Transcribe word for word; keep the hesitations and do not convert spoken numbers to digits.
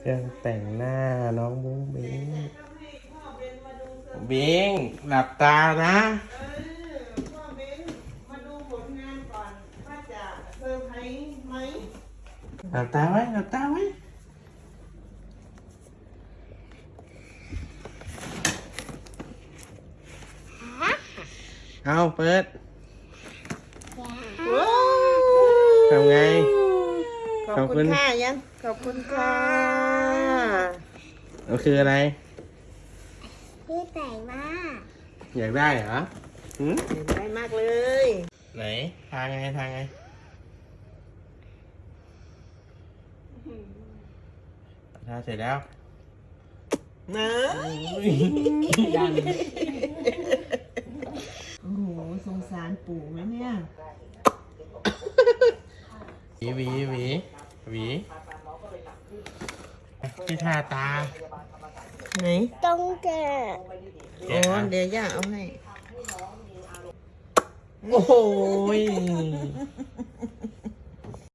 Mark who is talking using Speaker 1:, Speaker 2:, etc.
Speaker 1: เครื่องแต่งหน้าน้องบุ้งบิงบิงหลับตานะ
Speaker 2: พ่อเบ้นมาดูผลงานก่อนว่าจะเซอร์ไพรส์ไหม
Speaker 1: หลับตาไว้หลับตาไว้เอาเปิดทำไง
Speaker 2: ขอบคุณค่ะยังขอบคุณค่ะ
Speaker 1: มันคืออะไร
Speaker 3: พี่แต่งมาก
Speaker 1: อยากได้เหรอหืม
Speaker 2: ได้มากเลย
Speaker 1: ไหนทางไงทางไงทาเสร็จแล้ว
Speaker 2: เนอะโอ้โหสงสารปู่ไหมเนี่ย
Speaker 1: หวีหวีหวีหวีที่ทาตา
Speaker 2: ไหน
Speaker 3: ต้องแกะ
Speaker 2: โอ้เดี๋ยวย่าเอาให้
Speaker 1: โอ้โห